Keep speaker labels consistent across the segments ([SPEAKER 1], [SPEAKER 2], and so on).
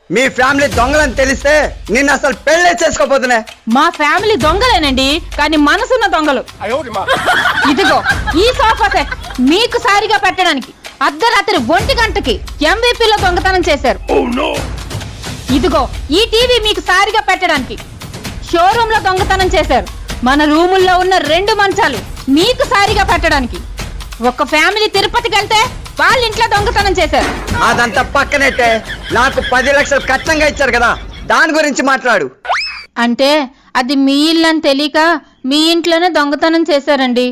[SPEAKER 1] మీ family దొంగలని తెలిస్తే నిన్ను అసలు పెళ్లి చేసుకోపోతున్నా.
[SPEAKER 2] మా ఫ్యామిలీ దొంగలేనండి, కానీ మనసున్న దొంగలు. ఇదిగో ఈ సోఫా సెట్ మీకు సారిగా పెట్టడానికి అర్ధరాత్రి 1 గంటకి ఎంవిపిలో దొంగతనం చేశారు. ఇదిగో ఈ టీవీ మీకు సారిగా పెట్టడానికి షోరూమ్ లో దొంగతనం చేశారు. మన రూముల్లో ఉన్న 2 మంచాలు మీకు సారిగా పెట్టడానికి ఒక ఫ్యామిలీ తిరుపతికి వెళ్తే వాళ్ళ ఇంట్లో దొంగతనం చేశారు.
[SPEAKER 1] అదంతా పక్కనైతే నాకు 10 లక్షలు కష్టంగా ఇచ్చారు కదా, దాని గురించి మాట్లాడు.
[SPEAKER 2] అంటే అది మీ ఇల్లు అని తెలియక మీ ఇంట్లోనే దొంగతనం చేశారండి.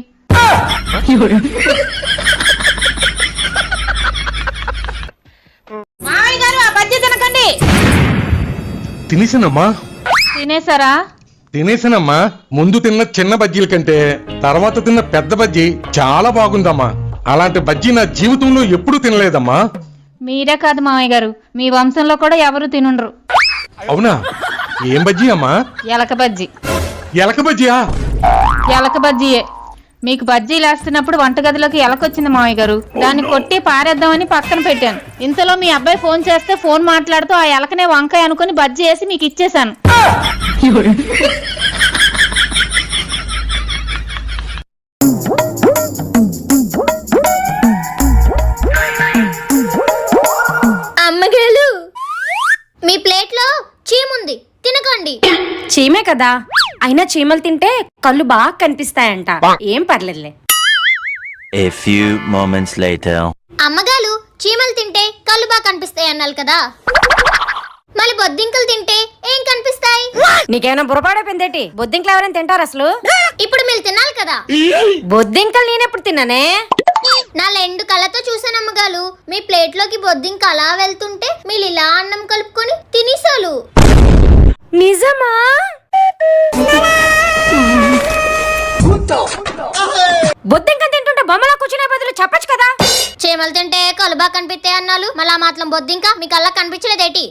[SPEAKER 2] మామయ్య గారు ఆ బజ్జీ తినకండి.
[SPEAKER 3] తినేసానమ్మా.
[SPEAKER 2] తినేసారా?
[SPEAKER 3] తినేసానమ్మా. ముందు తిన్న చిన్న బజ్జీల కంటే తర్వాత తిన్న పెద్ద బజ్జీ చాలా బాగుందమ్మా. అలాంటి బజ్జీ నా జీవితంలో ఎప్పుడూ తినలేదమ్మా.
[SPEAKER 2] మీరే కాదు మామయ్య గారు, మీ వంశంలో కూడా ఎవరు తినుండ్రు.
[SPEAKER 3] అవునా? ఏం బజ్జీ అమ్మా?
[SPEAKER 2] ఎలక బజ్జీ.
[SPEAKER 3] ఎలక బజ్జీయా?
[SPEAKER 2] ఎలక బజ్జీయే. మీకు బజ్జీలు వేస్తున్నప్పుడు వంటగదిలోకి ఎలకొచ్చింది మామయ్య గారు, దాన్ని కొట్టి పారేద్దామని పక్కన పెట్టాను. ఇంతలో మీ అబ్బాయి ఫోన్ చేస్తే ఫోన్ మాట్లాడుతూ ఆ ఎలకనే వంకాయ అనుకుని బజ్జీ వేసి మీకు ఇచ్చేశాను.
[SPEAKER 4] అమ్మగారు, మీ ప్లేట్ లో చీముంది, తినకండి.
[SPEAKER 5] చీమే కదా, అయినా చీమలు తింటే కళ్ళు బాగా కనిపిస్తాయంట. ఏం పర్లేదులే.
[SPEAKER 6] A few moments later.
[SPEAKER 4] అమ్మగారు, చీమలు తింటే కళ్ళు బాగా కనిపిస్తాయి అన్నారు కదా, మళ్ళీ బొద్దింకలు తింటే ఏం కనిపిస్తాయి?
[SPEAKER 5] నీకేమైనా బుర్రపాడైపోయిందేటి? బొద్దింకలు ఎవరైనా తింటారు అసలు?
[SPEAKER 4] ఇప్పుడు మీరు తినాలి కదా.
[SPEAKER 5] బొద్దింకలు నేనెప్పుడు తిన్నానే?
[SPEAKER 4] నా 2 కళ్ళతో చూసాను అమ్మగారు. మీ ప్లేట్ లోకి బొద్దింక అలా వెళ్తుంటే మీరు ఇలా అన్నం కలుపుకొని తినేసాలు.
[SPEAKER 5] నిజమా? బొద్దింక తింటుంటే బొమ్మలా కూర్చునే బదులు చెప్పచ్చు కదా.
[SPEAKER 4] చీమలు తింటే కళ్ళు బాగా కనిపిస్తాయి అన్నాలు, మళ్ళా మాత్రం బొద్దింక మీ కళ్ళకి కనిపించలేదేటి?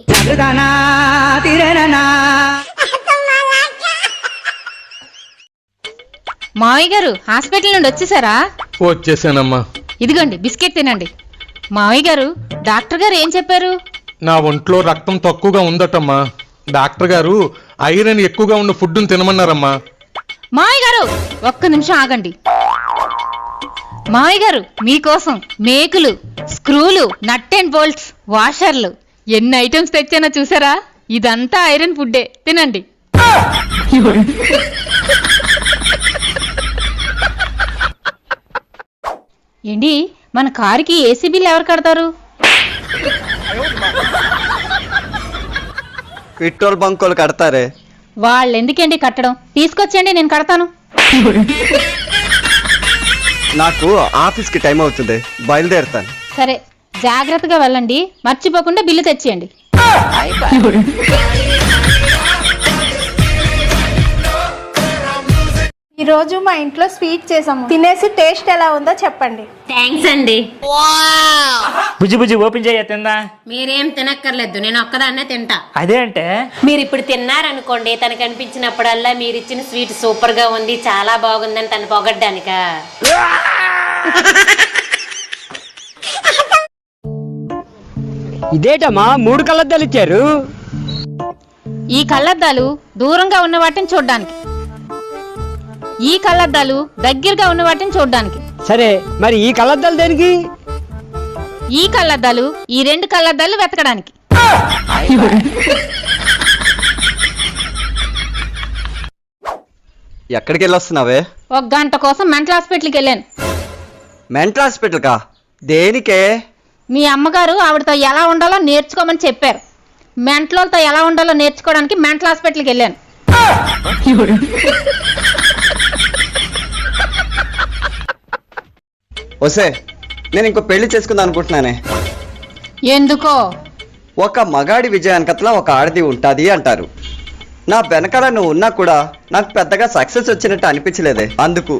[SPEAKER 2] మావయ్య గారు హాస్పిటల్ నుండి వచ్చేసారా?
[SPEAKER 3] వచ్చేసానమ్మా.
[SPEAKER 2] ఇదిగోండి బిస్కెట్ తినండి. మావయ్య గారు, డాక్టర్ గారు ఏం చెప్పారు?
[SPEAKER 3] నా ఒంట్లో రక్తం తక్కువగా ఉందటమ్మా. డాక్టర్ గారు ఐరన్ ఎక్కువగా ఉన్న ఫుడ్ను తినమన్నారమ్మా.
[SPEAKER 2] మావయ్య గారు ఒక్క నిమిషం ఆగండి. మావయ్య గారు మీకోసం మేకులు, స్క్రూలు, నట్ అండ్ బోల్ట్స్, వాషర్లు ఎన్ని ఐటమ్స్ తెచ్చానో చూసారా? ఇదంతా ఐరన్ ఫుడ్డే, తినండి. ఏంటి, మన కారుకి ఏసీ బిల్ ఎవరు కడతారు?
[SPEAKER 1] పెట్రోల్ బంకులు కడతారే.
[SPEAKER 2] వాళ్ళు ఎందుకండి కట్టడం? తీసుకొచ్చండి, నేను కడతాను.
[SPEAKER 1] నాకు ఆఫీస్కి టైం అవుతుంది, బయలుదేరుతాను.
[SPEAKER 2] సరే, జాగ్రత్తగా వెళ్ళండి, మర్చిపోకుండా బిల్లు తెచ్చేయండి.
[SPEAKER 7] ఈ రోజు మా ఇంట్లో స్వీట్ చేసాము, తినేసి టేస్ట్ ఎలా ఉందో చెప్పండి.
[SPEAKER 5] థ్యాంక్స్ అండి.
[SPEAKER 8] బుజ్జి బుజ్జి ఓపెన్ చేయ తిందా?
[SPEAKER 5] మీరేం తినక్కర్లేదు, నేను ఒక్కదాన్నే తింటా.
[SPEAKER 8] అదే అంటే
[SPEAKER 5] మీరు ఇప్పుడు తిన్నారనుకోండి, తనకు అనిపించినప్పుడల్లా మీరు ఇచ్చిన స్వీట్ సూపర్ గా ఉంది, చాలా బాగుందని తను పొగడ్డానిక.
[SPEAKER 9] ఇదేటమ్మా 3 కళ్ళద్దాలు ఇచ్చారు?
[SPEAKER 2] ఈ కళ్ళద్దాలు దూరంగా ఉన్న వాటిని చూడ్డానికి, ఈ కళ్ళద్దాలు దగ్గరగా ఉన్న వాటిని చూడ్డానికి.
[SPEAKER 9] సరే, మరి ఈ కళ్ళద్దాలు దేనికి?
[SPEAKER 2] ఈ కళ్ళద్దాలు ఈ 2 కళ్ళద్దాలు వెతకడానికి.
[SPEAKER 1] ఎక్కడికి వెళ్ళొస్తున్నావే?
[SPEAKER 2] 1 గంట కోసం మెంటల్ హాస్పిటల్కి వెళ్ళాను.
[SPEAKER 1] మెంటల్ హాస్పిటల్ కా? దేనికే?
[SPEAKER 2] మీ అమ్మగారు ఆవిడతో ఎలా ఉండాలో నేర్చుకోమని చెప్పారు. మెంటలతో ఎలా ఉండాలో నేర్చుకోవడానికి మెంటల్ హాస్పిటల్కి వెళ్ళాను.
[SPEAKER 1] వసే, నేను ఇంకో పెళ్లి చేసుకుందాం అనుకుంటున్నానే.
[SPEAKER 2] ఎందుకో?
[SPEAKER 1] ఒక మగాడి విజయానికట్లా ఒక ఆడది ఉంటుంది అంటారు. నా వెనకాల నువ్వు ఉన్నా కూడా నాకు పెద్దగా సక్సెస్ వచ్చినట్టు అనిపించలేదే, అందుకు.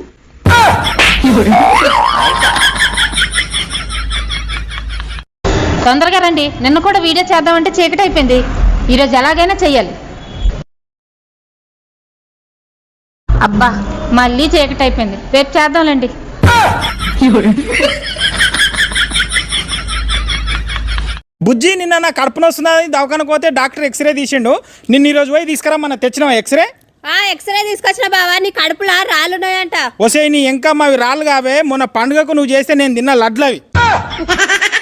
[SPEAKER 2] తొందరగా రండి, నిన్న కూడా వీడియో చేద్దామంటే చీకటి అయిపోయింది. ఈరోజు ఎలాగైనా చెయ్యాలి. అబ్బా, మళ్ళీ చీకటి అయిపోయింది, రేపు చేద్దాంలేండి.
[SPEAKER 10] బుజ్జి నిన్న నా కడుపున వస్తున్నది దవాఖానకు పోతే డాక్టర్ ఎక్స్రే తీసిండు. నిన్న ఈ రోజు పోయి తీసుకురా తెచ్చినావా ఎక్స్రే?
[SPEAKER 2] ఎక్స్రే తీసుకొచ్చిన బావా, నీ కడుపులా రాళ్ళున్నాయంట.
[SPEAKER 10] వసే నీ ఇంకా మావి రాళ్ళు కావే, మొన్న పండుగకు నువ్వు చేస్తే నేను తిన్న లడ్లవి.